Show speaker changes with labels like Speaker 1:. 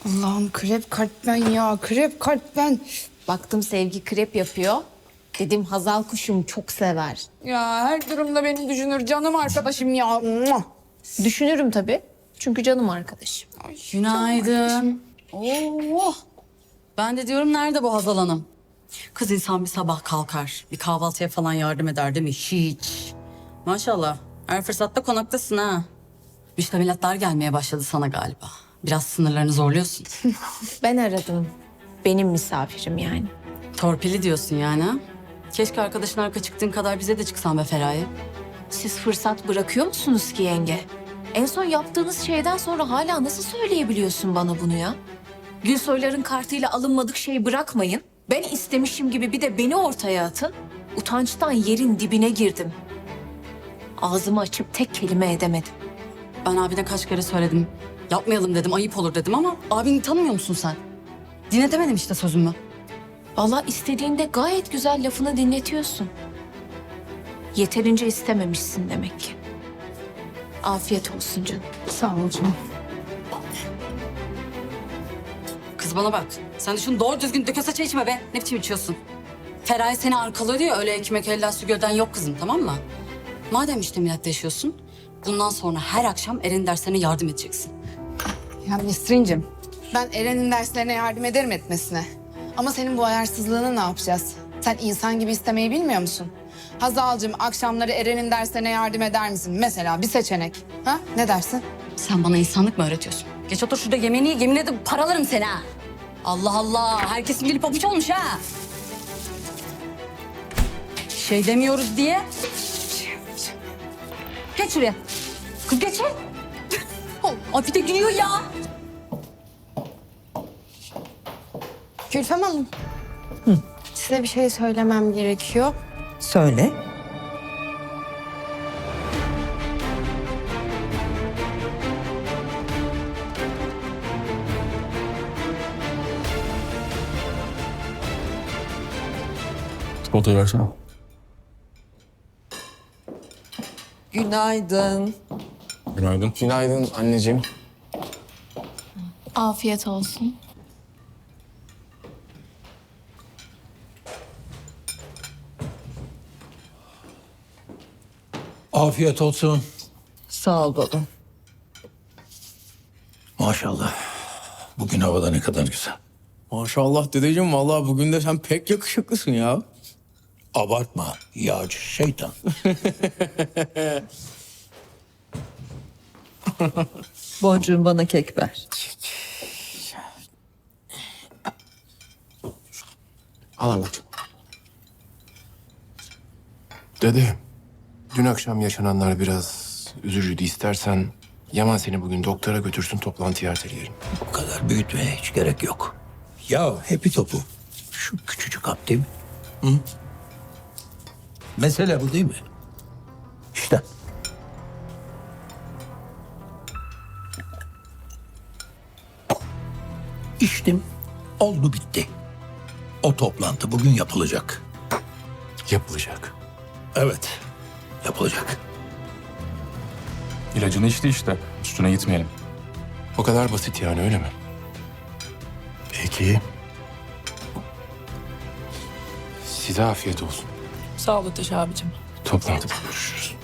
Speaker 1: Allah'ım krep kalp ben ya. Krep kalp ben.
Speaker 2: Baktım Sevgi krep yapıyor. Dedim Hazal kuşum çok sever.
Speaker 1: Ya her durumda beni düşünür canım arkadaşım ya. Mua.
Speaker 2: Düşünürüm tabii. Çünkü canım arkadaşım.
Speaker 3: Günaydın. Oo. Ben de diyorum nerede bu Hazal Hanım? Kız insan bir sabah kalkar, bir kahvaltıya falan yardım eder değil mi? Hiç. Maşallah. Her fırsatta konaktasın ha. Müştemilatlar gelmeye başladı sana galiba. Biraz sınırlarını zorluyorsun.
Speaker 2: Ben aradım. Benim misafirim yani.
Speaker 3: Torpili diyorsun yani ha? Keşke arkadaşın arka çıktığın kadar bize de çıksan be Feraye.
Speaker 2: Siz fırsat bırakıyor musunuz ki yenge? En son yaptığınız şeyden sonra hala nasıl söyleyebiliyorsun bana bunu ya? Gülsoyların kartıyla alınmadık şey bırakmayın. Ben istemişim gibi bir de beni ortaya atın. Utançtan yerin dibine girdim. Ağzımı açıp tek kelime edemedim.
Speaker 3: Ben abine kaç kere söyledim. Yapmayalım dedim, ayıp olur dedim ama abini tanımıyor musun sen? Dinletemedim işte sözümü.
Speaker 2: Vallahi istediğinde gayet güzel lafını dinletiyorsun. Yeterince istememişsin demek ki. Afiyet olsun canım.
Speaker 1: Sağ ol canım.
Speaker 3: Kız bana bak. Sen de şunu doğru düzgün dökese çay içme be. Ne biçim içiyorsun? Feraye seni arkalıyor ya, öyle ekmek elden su gölden yok kızım, tamam mı? Madem işte milletle yaşıyorsun, bundan sonra her akşam Eren'in derslerine yardım edeceksin.
Speaker 1: Ya Nesrin'cim ben Eren'in derslerine yardım ederim etmesine. Ama senin bu ayarsızlığını ne yapacağız? Sen insan gibi istemeyi bilmiyor musun? Hazal'cığım akşamları Eren'in derslerine yardım eder misin? Mesela bir seçenek. Ha? Ne dersin?
Speaker 3: Sen bana insanlık mı öğretiyorsun? Geç otur şurada yemeğini ye, yemin ederim paralarım seni ha. Allah Allah, herkesin dili pabuç olmuş ha. Şey demiyoruz diye. Geç şuraya. Kız geç. Ay bir de gülüyor ya.
Speaker 1: Gülfem Hanım. Size bir şey söylemem gerekiyor.
Speaker 4: Söyle.
Speaker 5: Çikolatayı versene.
Speaker 4: Günaydın.
Speaker 5: Günaydın.
Speaker 6: Günaydın anneciğim.
Speaker 2: Afiyet olsun.
Speaker 7: Afiyet olsun.
Speaker 4: Sağ ol baba.
Speaker 7: Maşallah. Bugün havada ne kadar güzel.
Speaker 6: Maşallah dedeciğim, vallahi bugün de sen pek yakışıklısın ya.
Speaker 7: Abartma. Yağcı şeytan.
Speaker 4: Boncuğum bana kek ver.
Speaker 6: Al anneciğim. Dede, dün akşam yaşananlar biraz üzücüydü. İstersen Yaman seni bugün doktora götürsün, toplantıyı erteleyelim.
Speaker 7: Bu kadar büyütmeye hiç gerek yok. Ya hepi topu. Şu küçücük hap değil mi? Hı? Mesele bu değil mi? İşte. İçtim. Oldu bitti. O toplantı bugün yapılacak.
Speaker 6: Yapılacak.
Speaker 7: Evet. Yapılacak.
Speaker 5: İlacını içti işte. Üstüne gitmeyelim.
Speaker 6: O kadar basit yani, öyle mi? Peki. Size afiyet olsun.
Speaker 4: Sağ ol Ateş abicim.
Speaker 6: Toplantıda görüşürüz.